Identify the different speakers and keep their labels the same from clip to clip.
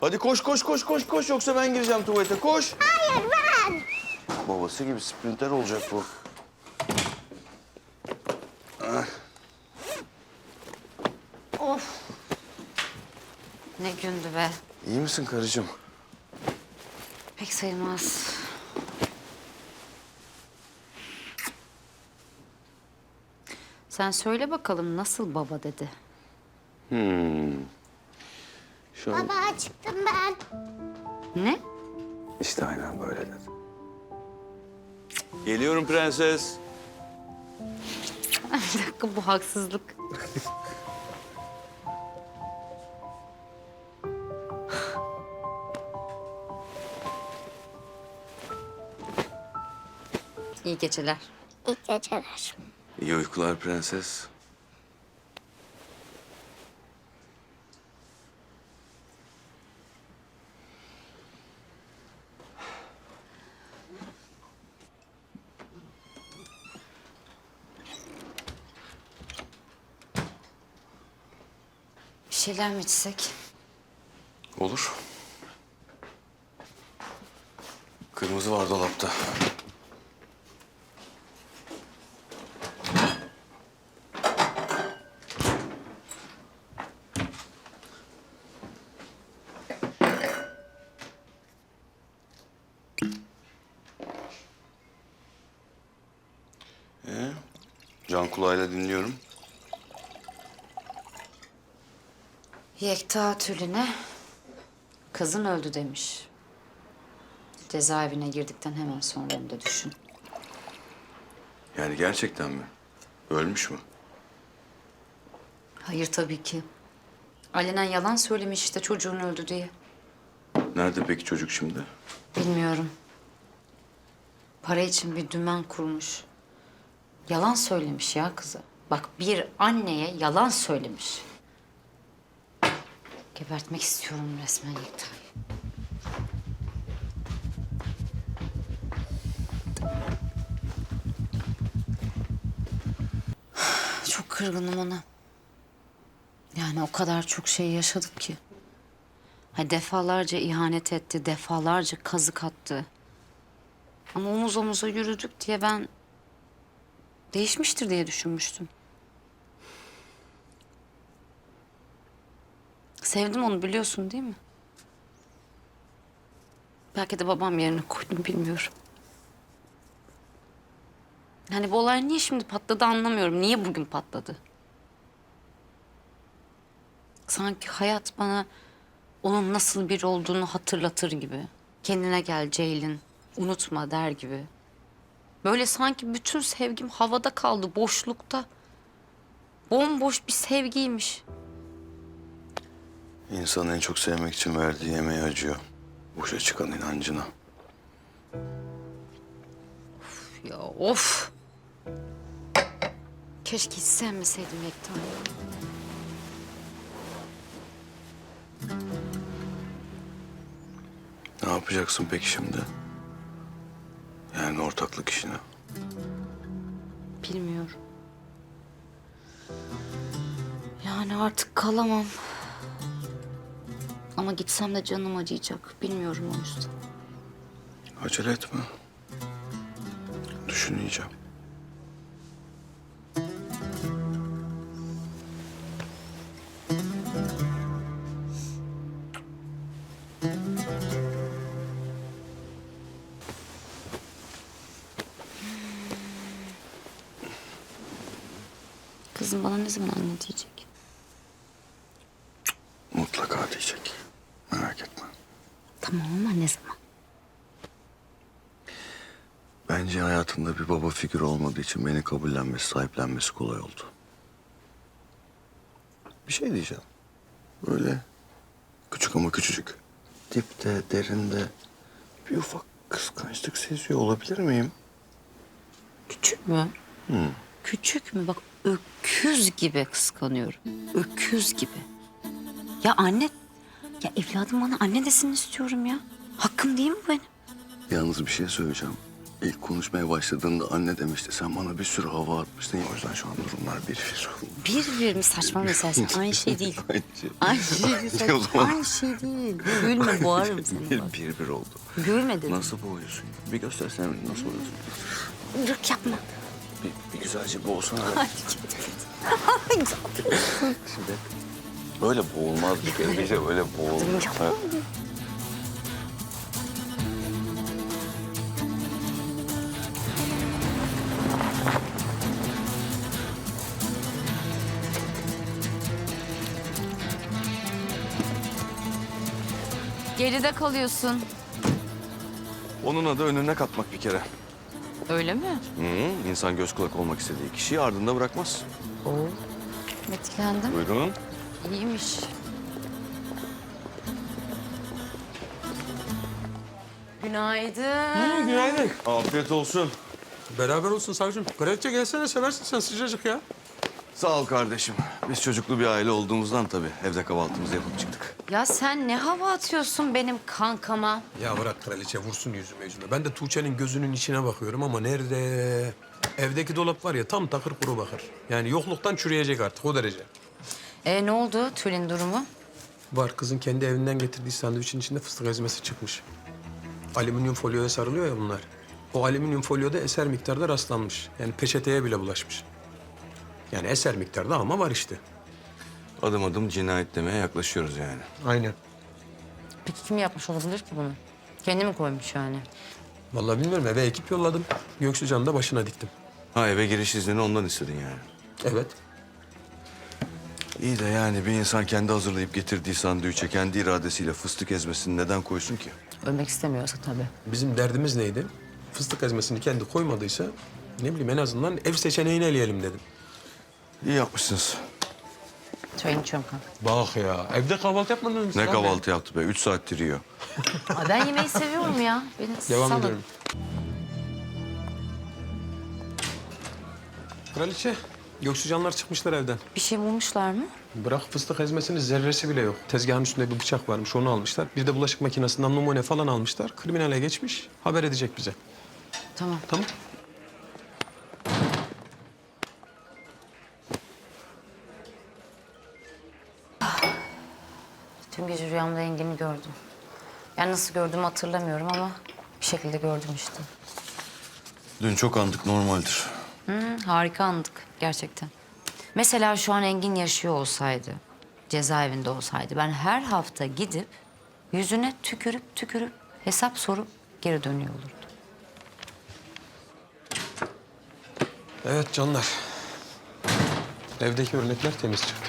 Speaker 1: Hadi koş koş koş koş koş yoksa ben gireceğim tuvalete koş.
Speaker 2: Hayır ben.
Speaker 1: Babası gibi sprinter olacak bu. Ah.
Speaker 3: Of. Ne gündü be.
Speaker 1: İyi misin karıcığım?
Speaker 3: Pek sayılmaz. Sen söyle bakalım nasıl baba dedi.
Speaker 1: Şu an
Speaker 2: Baba çıktım ben.
Speaker 3: Ne?
Speaker 1: işte aynen böyle dedi. Geliyorum prenses.
Speaker 3: Bir dakika bu haksızlık. İyi geceler.
Speaker 2: İyi geceler.
Speaker 1: İyi uykular prenses.
Speaker 3: Bir şeyler mi içsek?
Speaker 1: Olur. Kırmızı var dolapta. Can kulağıyla dinliyorum.
Speaker 3: Yekta Tülin'e kızın öldü demiş. Cezaevine girdikten hemen sonra hem de düşün.
Speaker 1: Yani gerçekten mi? Ölmüş mü?
Speaker 3: Hayır tabii ki. Alenen yalan söylemiş işte çocuğun öldü diye.
Speaker 1: Nerede peki çocuk şimdi?
Speaker 3: Bilmiyorum. Para için bir dümen kurmuş. Yalan söylemiş ya kızı. Bak bir anneye yalan söylemiş. Gebertmek istiyorum resmen Yekta'yı. Çok kırgınım ona. Yani o kadar çok şey yaşadık ki. Ha, defalarca ihanet etti, defalarca kazık attı. Ama omuz omuza yürüdük diye ben değişmiştir diye düşünmüştüm. Sevdim onu biliyorsun değil mi? Belki de babam yerine koydum bilmiyorum. Yani bu olay niye şimdi patladı anlamıyorum. Niye bugün patladı? Sanki hayat bana onun nasıl biri olduğunu hatırlatır gibi. Kendine gel Ceylin, unutma der gibi. Böyle sanki bütün sevgim havada kaldı, boşlukta. Bomboş bir sevgiymiş.
Speaker 1: İnsan en çok sevmek için verdiği yemeğe acıyor. Boşa çıkan inancına.
Speaker 3: Ya of! Keşke hiç sevmeseydim Yekta'yı.
Speaker 1: Ne yapacaksın peki şimdi? Yani ortaklık işini.
Speaker 3: Bilmiyorum. Yani artık kalamam. Ama gitsem de canım acıyacak. Bilmiyorum o yüzden.
Speaker 1: Acele etme. Düşüneceğim.
Speaker 3: Kızım bana ne zaman anne diyecek?
Speaker 1: Mutlaka diyecek. Merak etme.
Speaker 3: Tamam ama ne zaman?
Speaker 1: Bence hayatında bir baba figürü olmadığı için beni kabullenmesi, sahiplenmesi kolay oldu. Bir şey diyeceğim. Böyle küçük ama küçücük. Dipte, derinde bir ufak kıskançlık seziyor olabilir miyim?
Speaker 3: Küçük mü? Küçük mü? Bak öküz gibi kıskanıyorum. Öküz gibi. Ya anne, ya evladım bana anne desin istiyorum ya. Hakkım değil mi bu benim?
Speaker 1: Yalnız bir şey söyleyeceğim. İlk konuşmaya başladığında anne demişti. Sen bana bir sürü hava atmıştın. O yüzden şu an durumlar bir.
Speaker 3: Bir mi saçma mesela? Aynı şey değil.
Speaker 1: Aynı şey.
Speaker 3: Aynı şey değil.
Speaker 1: O zaman-
Speaker 3: Aynı şey değil. Gülme boğarım seni bak.
Speaker 1: Bir oldu.
Speaker 3: Gülme dedim.
Speaker 1: Nasıl boğuyorsun? Bir göstersene nasıl boğuyorsun.
Speaker 3: Bırak yapma.
Speaker 1: Bir güzelce boğsana.
Speaker 3: Ay,
Speaker 1: Şimdi böyle boğulmaz bir kere. Bir de böyle boğulmaz.
Speaker 3: yapma. Geride kalıyorsun.
Speaker 1: Onun adı önüne katmak bir kere.
Speaker 3: Öyle mi?
Speaker 1: Hı, İnsan göz kulak olmak istediği kişiyi ardında bırakmaz.
Speaker 3: Oo. Etkilendim.
Speaker 1: Buyurun.
Speaker 3: İyiymiş. Günaydın.
Speaker 4: Günaydın.
Speaker 1: Afiyet olsun.
Speaker 4: Beraber olsun savcım. Kraliçe gelsene seversin sen sıcacık ya.
Speaker 1: Sağ ol kardeşim. Biz çocuklu bir aile olduğumuzdan tabii evde kahvaltımızı yapıp çıktık.
Speaker 3: Ya sen ne hava atıyorsun benim kankama?
Speaker 4: Ya bırak kraliçe vursun yüzüme. Ben de Tuğçe'nin gözünün içine bakıyorum ama nerede? Evdeki dolap var ya tam takır kuru bakır. Yani yokluktan çürüyecek artık o derece.
Speaker 3: Ne oldu Tülin durumu?
Speaker 4: Var kızın kendi evinden getirdiği sandviçin içinde fıstık ezmesi çıkmış. Alüminyum folyoya sarılıyor ya bunlar. O alüminyum folyoda eser miktarda rastlanmış. Yani peçeteye bile bulaşmış. Yani eser miktarda ama var işte.
Speaker 1: Adım adım cinayet demeye yaklaşıyoruz yani.
Speaker 4: Aynen.
Speaker 3: Peki kim yapmış olabilir ki bunu? Kendi mi koymuş yani?
Speaker 4: Vallahi bilmiyorum eve ekip yolladım. Göksucan'ı da başına diktim.
Speaker 1: Ha eve giriş iznini ondan istedin yani.
Speaker 4: Evet.
Speaker 1: İyi de yani bir insan kendi hazırlayıp getirdiği sandviçe kendi iradesiyle fıstık ezmesini neden koysun ki?
Speaker 3: Ölmek istemiyorsa tabii.
Speaker 4: Bizim derdimiz neydi? Fıstık ezmesini kendi koymadıysa ne bileyim en azından ev seçeneğini eleyelim dedim.
Speaker 1: İyi yapmışsınız.
Speaker 3: Çayını içiyorum kanka.
Speaker 4: Bak ya evde kahvaltı yapmadınız mı?
Speaker 1: Ne kahvaltı yaptı be? 3 saattir yiyor.
Speaker 3: Ay ben yemeği seviyorum ya. Beni
Speaker 4: Devam
Speaker 3: salın.
Speaker 4: ediyorum. Kraliçe, Göksucanlar çıkmışlar evden.
Speaker 3: Bir şey bulmuşlar mı?
Speaker 4: Bırak fıstık ezmesinin zerresi bile yok. Tezgahın üstünde bir bıçak varmış, onu almışlar. Bir de bulaşık makinesinden numune falan almışlar. Kriminale geçmiş, haber edecek bize.
Speaker 3: Tamam.
Speaker 4: Tamam.
Speaker 3: Tüm gece rüyamda Engin'i gördüm. Yani nasıl gördüğümü hatırlamıyorum ama bir şekilde gördüm işte.
Speaker 1: Dün çok andık normaldir.
Speaker 3: Harika andık gerçekten. Mesela şu an Engin yaşıyor olsaydı, cezaevinde olsaydı ben her hafta gidip yüzüne tükürüp hesap sorup geri dönüyor olurdum.
Speaker 4: Evet canlar. Evdeki örnekler temiz çıktı.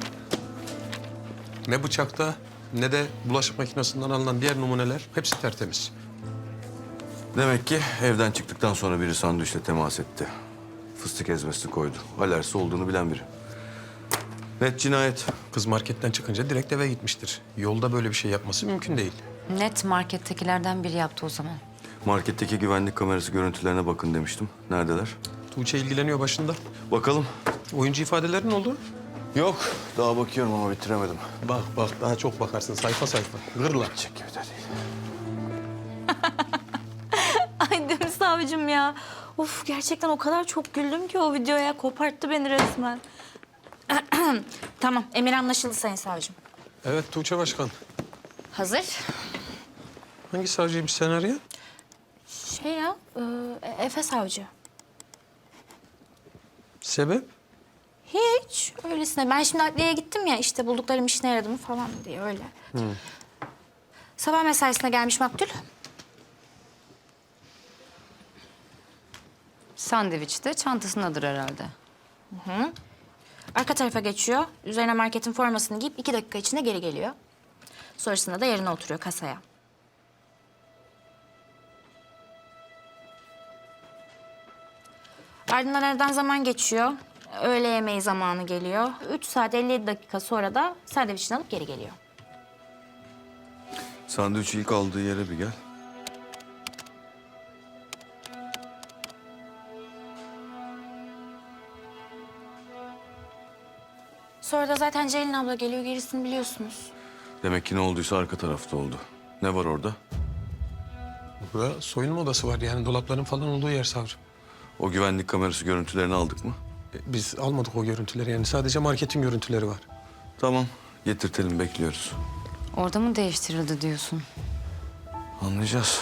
Speaker 4: Ne bıçakta ne de bulaşık makinesinden alınan diğer numuneler hepsi tertemiz.
Speaker 1: Demek ki evden çıktıktan sonra biri sandviçle temas etti. Fıstık ezmesini koydu. Alerjisi olduğunu bilen biri. Net cinayet.
Speaker 4: Kız marketten çıkınca direkt eve gitmiştir. Yolda böyle bir şey yapması mümkün değil.
Speaker 3: Net markettekilerden biri yaptı o zaman.
Speaker 1: Marketteki güvenlik kamerası görüntülerine bakın demiştim. Neredeler?
Speaker 4: Tuğçe ilgileniyor başında.
Speaker 1: Bakalım.
Speaker 4: Oyuncu ifadeleri ne oldu?
Speaker 1: Yok. Daha bakıyorum ama bitiremedim.
Speaker 4: Bak daha çok bakarsın sayfa sayfa. Gırla.
Speaker 1: Çek gibi de değil.
Speaker 5: Ay Demir savcım ya. Of gerçekten o kadar çok güldüm ki o videoya. Koparttı beni resmen. Tamam emir anlaşıldı sayın savcım.
Speaker 4: Evet Tuğçe Başkan.
Speaker 5: Hazır.
Speaker 4: Hangi savcıymış sen arayan?
Speaker 5: Şey ya Efe savcı.
Speaker 4: Sebep?
Speaker 5: Hiç öylesine. Ben şimdi adliyeye gittim ya işte bulduklarım işine yaradı mı falan diye öyle. Sabah mesaisine gelmiş maktul.
Speaker 3: Sandviç de çantasındadır herhalde.
Speaker 5: Arka tarafa geçiyor. Üzerine marketin formasını giyip 2 dakika içinde geri geliyor. Sonrasında da yerine oturuyor kasaya. Ardından aradan zaman geçiyor. Öğle yemeği zamanı geliyor. 3 saat 57 dakika sonra da sandviçini alıp geri geliyor.
Speaker 1: Sandviçi ilk aldığı yere bir gel.
Speaker 5: Sonra da zaten Ceylin abla geliyor. Gerisini biliyorsunuz.
Speaker 1: Demek ki ne olduysa arka tarafta oldu. Ne var orada?
Speaker 4: Burada soyunma odası var yani dolapların falan olduğu yer savcım.
Speaker 1: O güvenlik kamerası görüntülerini aldık mı?
Speaker 4: Biz almadık o görüntüleri yani sadece marketin görüntüleri var.
Speaker 1: Tamam, getirtelim, bekliyoruz.
Speaker 3: Orada mı değiştirildi diyorsun?
Speaker 1: Anlayacağız.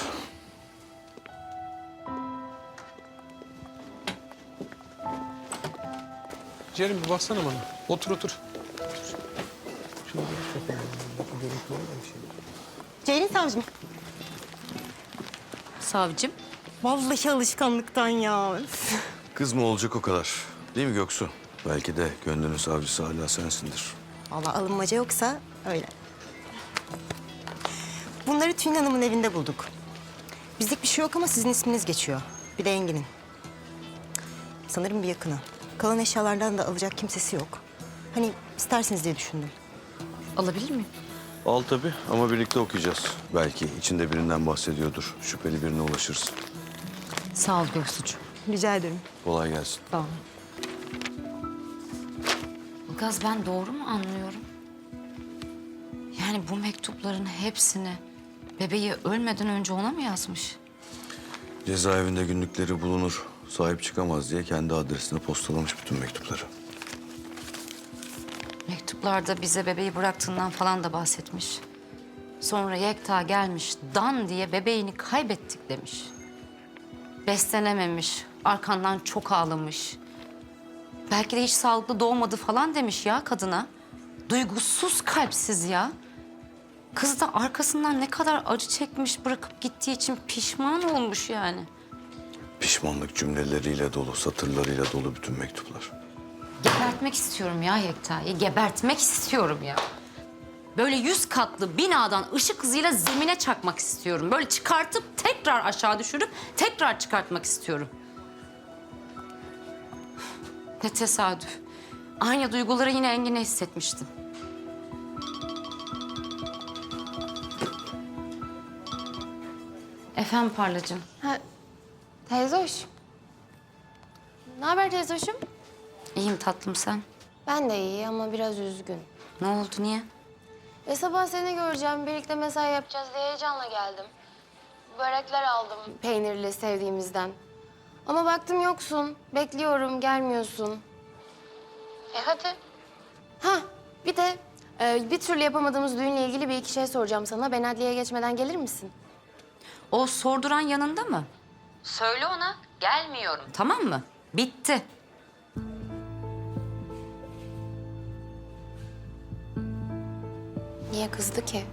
Speaker 4: Ciğerim bir baksana bana. Otur otur. Şuna bir bakayım. Görüntüleri var bir şey.
Speaker 6: Ceylin savcım.
Speaker 3: Savcım.
Speaker 6: Vallahi alışkanlıktan ya. Üf.
Speaker 1: Kız mı olacak o kadar? Değil mi Göksu? Belki de gönlünün savcısı hala sensindir.
Speaker 6: Vallahi alınmaca yoksa öyle. Bunları Tülin Hanım'ın evinde bulduk. Bizlik bir şey yok ama sizin isminiz geçiyor. Bir de Engin'in. Sanırım bir yakını. Kalan eşyalardan da alacak kimsesi yok. Hani istersiniz diye düşündüm.
Speaker 3: Alabilir miyim?
Speaker 1: Al tabii ama birlikte okuyacağız. Belki içinde birinden bahsediyordur. Şüpheli birine ulaşırız.
Speaker 3: Sağ ol Göksucuğum.
Speaker 6: Rica ederim.
Speaker 1: Kolay gelsin.
Speaker 3: Tamam. Ilgaz, ben doğru mu anlıyorum? Yani bu mektupların hepsini bebeği ölmeden önce ona mı yazmış?
Speaker 1: Cezaevinde günlükleri bulunur. Sahip çıkamaz diye kendi adresine postalamış bütün mektupları.
Speaker 3: Mektuplarda bize bebeği bıraktığından falan da bahsetmiş. Sonra Yekta gelmiş, dan diye bebeğini kaybettik demiş. Beslenememiş, arkandan çok ağlamış. Belki de hiç sağlıklı doğmadı falan demiş ya kadına. Duygusuz, kalpsiz ya. Kız da arkasından ne kadar acı çekmiş, bırakıp gittiği için pişman olmuş yani.
Speaker 1: Pişmanlık cümleleriyle dolu, satırlarıyla dolu bütün mektuplar.
Speaker 3: Gebertmek istiyorum ya Yekta'yı, gebertmek istiyorum ya. Böyle 100 katlı binadan ışık hızıyla zemine çakmak istiyorum. Böyle çıkartıp tekrar aşağı düşürüp tekrar çıkartmak istiyorum. Ne tesadüf. Aynı duyguları yine Engin'e hissetmiştim. Efendim Parlacığım.
Speaker 7: Teyze hoş. Ne haber teyze hoşum?
Speaker 3: İyiyim tatlım, sen.
Speaker 7: Ben de iyi ama biraz üzgün.
Speaker 3: Ne oldu, niye?
Speaker 7: Sabah seni göreceğim, birlikte mesai yapacağız diye heyecanla geldim. Börekler aldım peynirli sevdiğimizden. Ama baktım yoksun, bekliyorum, gelmiyorsun. Hadi. Ha, bir de bir türlü yapamadığımız düğünle ilgili bir iki şey soracağım sana. Ben adliyeye geçmeden gelir misin?
Speaker 3: O sorduran yanında mı? Söyle ona, gelmiyorum. Tamam mı? Bitti.
Speaker 7: Niye kızdı ki?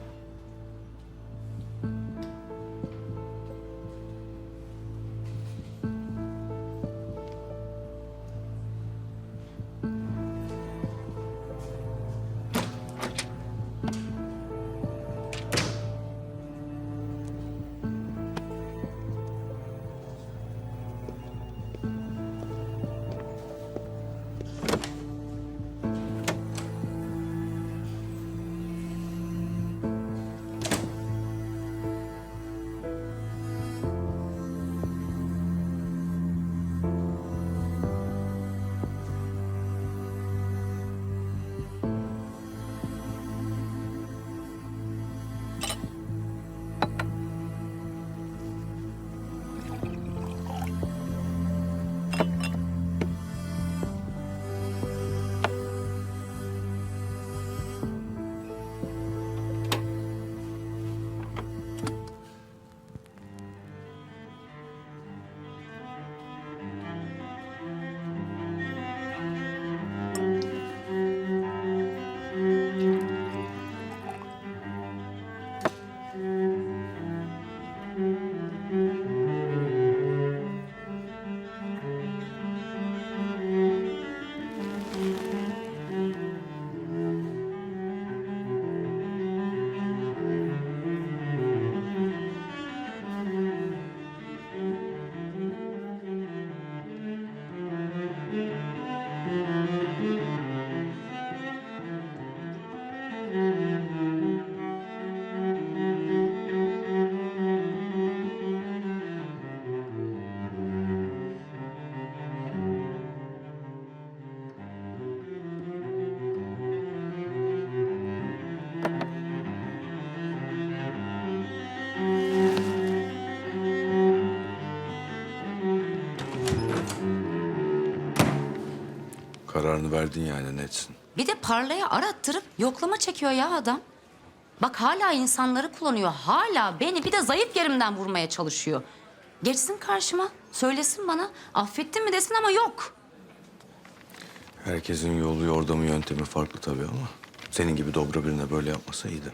Speaker 1: kararını verdin yani, netsin.
Speaker 3: Bir de parlaya arattırıp yoklama çekiyor ya adam. Bak hala insanları kullanıyor. Hala beni bir de zayıf yerimden vurmaya çalışıyor. Geçsin karşıma. Söylesin bana. Affettin mi desin ama yok.
Speaker 1: Herkesin yolu, yordamı, yöntemi farklı tabii ama... senin gibi dobra birine böyle yapmasa iyiydi.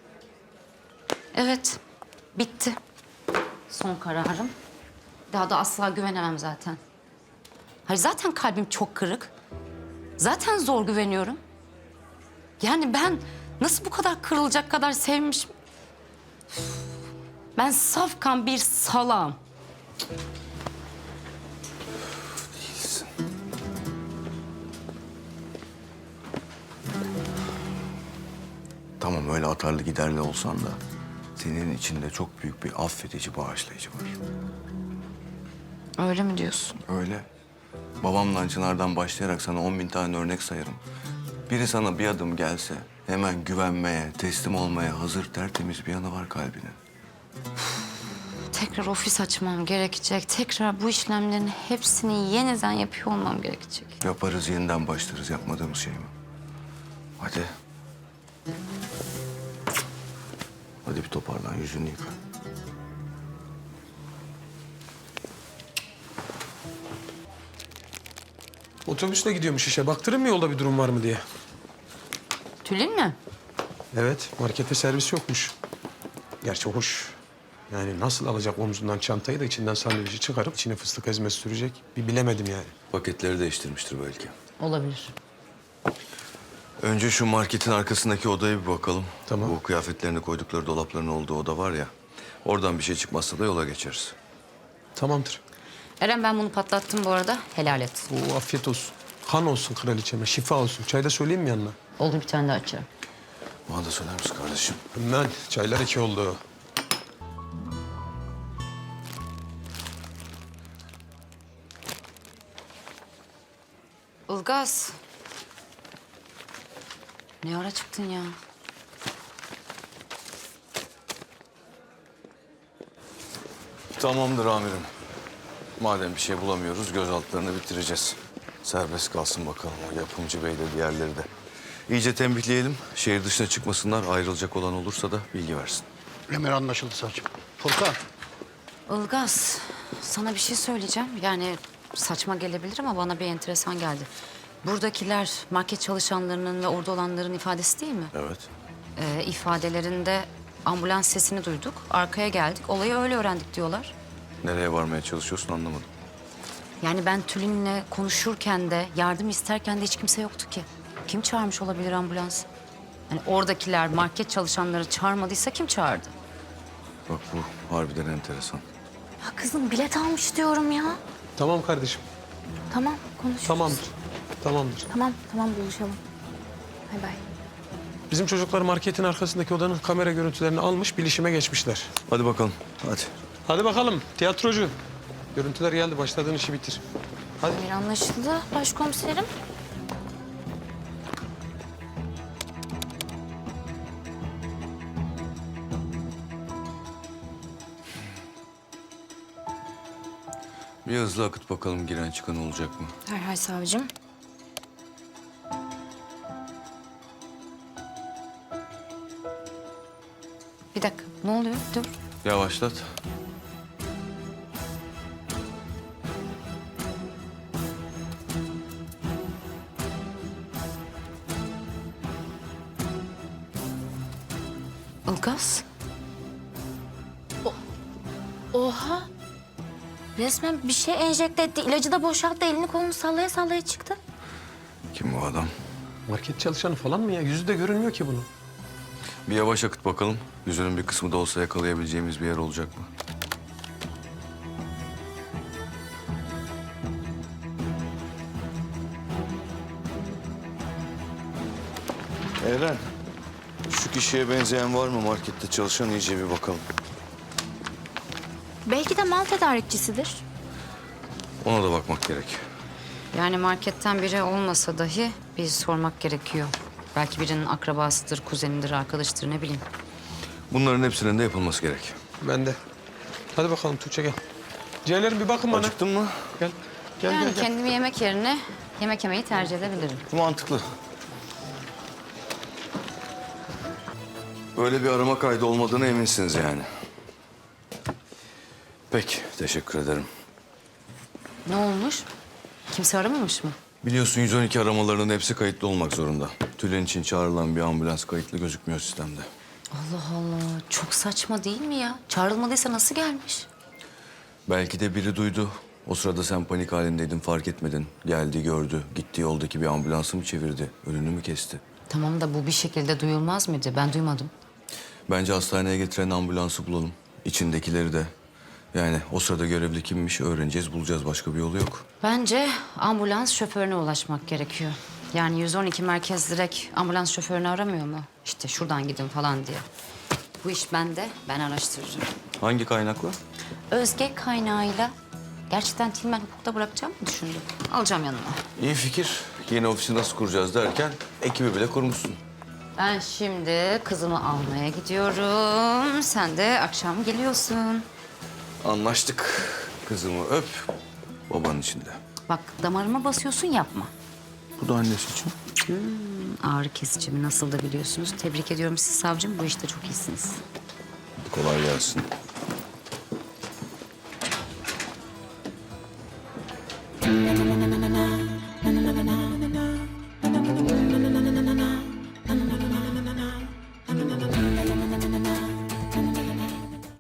Speaker 3: Evet. Bitti. Son kararım. Daha da asla güvenemem zaten. Hayır zaten kalbim çok kırık. Zaten zor güveniyorum. Yani ben nasıl bu kadar kırılacak kadar sevmişim? Ben safkan bir salağım.
Speaker 1: Değilsin. Tamam, öyle atarlı giderli olsan da... senin içinde çok büyük bir affedici, bağışlayıcı var.
Speaker 3: Öyle mi diyorsun?
Speaker 1: Öyle. Babamla Çınar'dan başlayarak sana 10.000 tane örnek sayarım. Biri sana bir adım gelse hemen güvenmeye, teslim olmaya hazır, tertemiz bir yanı var kalbinin.
Speaker 3: Tekrar ofis açmam gerekecek. Tekrar bu işlemlerin hepsini yeniden yapıyor olmam gerekecek.
Speaker 1: Yaparız, yeniden başlarız. Yapmadığımız şey mi? Hadi. Hadi bir toparlan, yüzünü yıka.
Speaker 4: Otobüsle gidiyormuş işe. Baktırın mı yolda bir durum var mı diye.
Speaker 3: Tülin mi?
Speaker 4: Evet, markete servis yokmuş. Gerçi hoş. Yani nasıl alacak omzundan çantayı da içinden sandviçi çıkarıp içine fıstık ezmesi sürecek? Bir bilemedim yani.
Speaker 1: Paketleri değiştirmiştir belki.
Speaker 3: Olabilir.
Speaker 1: Önce şu marketin arkasındaki odaya bir bakalım.
Speaker 4: Tamam.
Speaker 1: Bu kıyafetlerini koydukları dolapların olduğu oda var ya. Oradan bir şey çıkmazsa da yola geçeriz.
Speaker 4: Tamamdır.
Speaker 3: Eren ben bunu patlattım bu arada. Helal et.
Speaker 4: Oo, afiyet olsun. Han olsun kraliçeme, şifa olsun. Çay da söyleyeyim mi yanına?
Speaker 3: Oldu bir tane daha açarım.
Speaker 1: Bana da söyler misin kardeşim?
Speaker 4: Hemen. Çaylar 2 oldu.
Speaker 3: Ilgaz. Ne ara çıktın ya?
Speaker 1: Tamamdır amirim. Madem bir şey bulamıyoruz, gözaltılarını bitireceğiz. Serbest kalsın bakalım o yapımcı bey de diğerleri de. İyice tembihleyelim. Şehir dışına çıkmasınlar. Ayrılacak olan olursa da bilgi versin.
Speaker 8: Emir anlaşıldı savcım. Furkan.
Speaker 3: Ilgaz, sana bir şey söyleyeceğim. Yani saçma gelebilir ama bana bir enteresan geldi. Buradakiler market çalışanlarının ve orada olanların ifadesi değil mi?
Speaker 1: Evet.
Speaker 3: İfadelerinde ambulans sesini duyduk, arkaya geldik, olayı öyle öğrendik diyorlar.
Speaker 1: Nereye varmaya çalışıyorsun anlamadım.
Speaker 3: Yani ben Tülin'le konuşurken de, yardım isterken de hiç kimse yoktu ki. Kim çağırmış olabilir ambulans? Yani oradakiler market çalışanları çağırmadıysa kim çağırdı?
Speaker 1: Bak bu harbiden enteresan.
Speaker 3: Ya kızım bilet almış diyorum ya.
Speaker 4: Tamam kardeşim.
Speaker 3: Tamam konuşuruz.
Speaker 4: Tamamdır. Tamamdır.
Speaker 3: Tamam buluşalım. Bay bay.
Speaker 4: Bizim çocuklar marketin arkasındaki odanın kamera görüntülerini almış, bilişime geçmişler.
Speaker 1: Hadi bakalım, hadi.
Speaker 4: Hadi bakalım tiyatrocu. Görüntüler geldi, başladığın işi bitir. Hadi.
Speaker 3: Bir anlaşıldı başkomiserim.
Speaker 1: Bir hızlı akıt bakalım giren çıkan olacak mı?
Speaker 3: Herhal savcım. Bir dakika ne oluyor? Dur.
Speaker 1: Yavaşlat.
Speaker 3: Ilgaz.
Speaker 5: Oha. Resmen bir şey enjekte etti. İlacı da boşalttı. Elini kolunu sallaya sallaya çıktı.
Speaker 1: Kim bu adam?
Speaker 4: Market çalışanı falan mı ya? Yüzü de görünmüyor ki bunun.
Speaker 1: Bir yavaş akıt bakalım. Yüzünün bir kısmı da olsa yakalayabileceğimiz bir yer olacak mı? Eren, şu kişiye benzeyen var mı markette çalışan, iyice bir bakalım.
Speaker 5: Belki de mal tedarikçisidir.
Speaker 1: Ona da bakmak gerek.
Speaker 3: Yani marketten biri olmasa dahi bir sormak gerekiyor. Belki birinin akrabasıdır, kuzenidir, arkadaştır ne bileyim.
Speaker 1: Bunların hepsinin de yapılması gerek.
Speaker 4: Ben de. Hadi bakalım Tuğçe gel. Ciğerlerim bir bakın bana.
Speaker 1: Acıktın mı?
Speaker 4: Gel.
Speaker 8: Gel
Speaker 3: Yani
Speaker 8: gel gel.
Speaker 3: kendimi yemek yerine yemek yemeyi tercih edebilirim.
Speaker 1: Mantıklı. Böyle bir arama kaydı olmadığına eminsiniz yani. Peki, teşekkür ederim.
Speaker 3: Ne olmuş? Kimse aramamış mı?
Speaker 1: Biliyorsun 112 aramalarının hepsi kayıtlı olmak zorunda. Tülin için çağrılan bir ambulans kayıtlı gözükmüyor sistemde.
Speaker 3: Allah Allah. Çok saçma değil mi ya? Çağrılmadıysa nasıl gelmiş?
Speaker 1: Belki de biri duydu. O sırada sen panik halindeydin, fark etmedin. Geldi, gördü. Gittiği yoldaki bir ambulansı mı çevirdi? Önünü mü kesti?
Speaker 3: Tamam da bu bir şekilde duyulmaz mıydı? Ben duymadım.
Speaker 1: Bence hastaneye getiren ambulansı bulalım. İçindekileri de. Yani o sırada görevli kimmiş öğreneceğiz, bulacağız. Başka bir yolu yok.
Speaker 3: Bence ambulans şoförüne ulaşmak gerekiyor. Yani 112 merkez direkt ambulans şoförünü aramıyor mu? İşte şuradan gidin falan diye. Bu iş bende, ben araştırırım.
Speaker 1: Hangi kaynakla?
Speaker 3: Özge kaynağıyla gerçekten Tilmen hukukta bırakacağım mı düşündüm. Alacağım yanıma.
Speaker 1: İyi fikir. Yeni ofisi nasıl kuracağız derken ekibi bile kurmuşsun.
Speaker 3: Ben şimdi kızımı almaya gidiyorum. Sen de akşam geliyorsun.
Speaker 1: Anlaştık. Kızımı öp, babanın içinde.
Speaker 3: Bak damarıma basıyorsun yapma.
Speaker 1: Bu da annesi için.
Speaker 3: Ağrı kesicimi nasıl da biliyorsunuz. Tebrik ediyorum siz savcım. Bu işte çok iyisiniz.
Speaker 1: Kolay gelsin.